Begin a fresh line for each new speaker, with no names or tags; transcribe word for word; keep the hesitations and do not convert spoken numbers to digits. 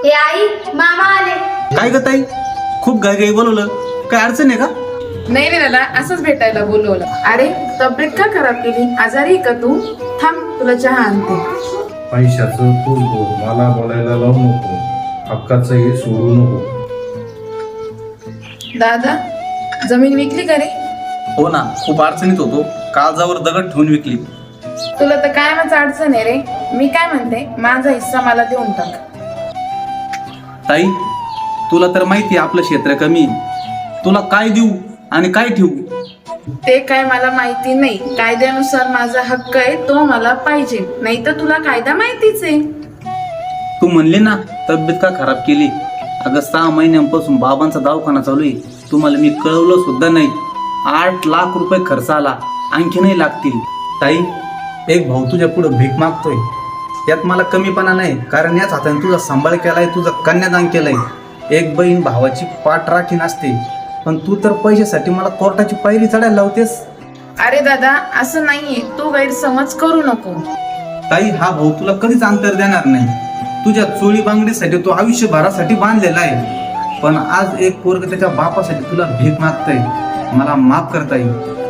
हे आई, मामा आले.
काय ग ताई, खूप घाई घाई बोलवलं, काय अडचण आहे का?
नाही नाही दादा, असंच भेटायला बोलवलं. अरे तब्येत का खराब केली? आजारी आहे का तू? थांब, तुला चहा आणते.
पैशाचं तूच बोल, मला बोलायला लावू नको. हक्काचं हे सोडू नको.
दादा, जमीन विकली का रे?
हो ना, खूप अडचणीत होतो, काळजावर दगड ठेवून विकली.
तुला तर कायमच अडचण आहे रे. मी काय म्हणते, माझा हिस्सा मला देऊन टाक.
ताई, तुला तर माहिती आहे आपलं क्षेत्र कमी आहे. तुला काय देऊ आणि काय ठेवू?
ते काय मला माहिती नाही. कायद्यानुसार माझा हक्क आहे, तो मला पाहिजे. नाही तर तुला कायदा माहितीच आहे.
तू म्हणली ना तब्येत का खराब केली. अगं सहा महिन्यांपासून बाबांचा दवाखाना चालू आहे, तुम्हाला मी कळवलं सुद्धा नाही. आठ लाख रुपये खर्च आला, आणखी नाही लागतील. ताई, एक भाऊ तुझ्या पुढे भीक मागतोय, यात मला कमीपणा नाही, कारण याच हाताने तुझा सांभाळ केलाय, तुझं कन्यादान केलंय. एक बहीण भावाची पाठ राखी नसते, पण तू तर पैशासाठी मला कोर्टाची पायरी चढायला लावतेस.
अरे दादा, असं नाहीये, तू गैरसमज करू नको.
ताई, हा भाऊ तुला कधीच अंतर देणार नाही. तुझ्या चोळी बांगडीसाठी तो आयुष्यभरासाठी बांधलेला आहे, पण आज एक पोरग त्याच्या बापासाठी तुला भीक मागतय. मला माफ करता येईल.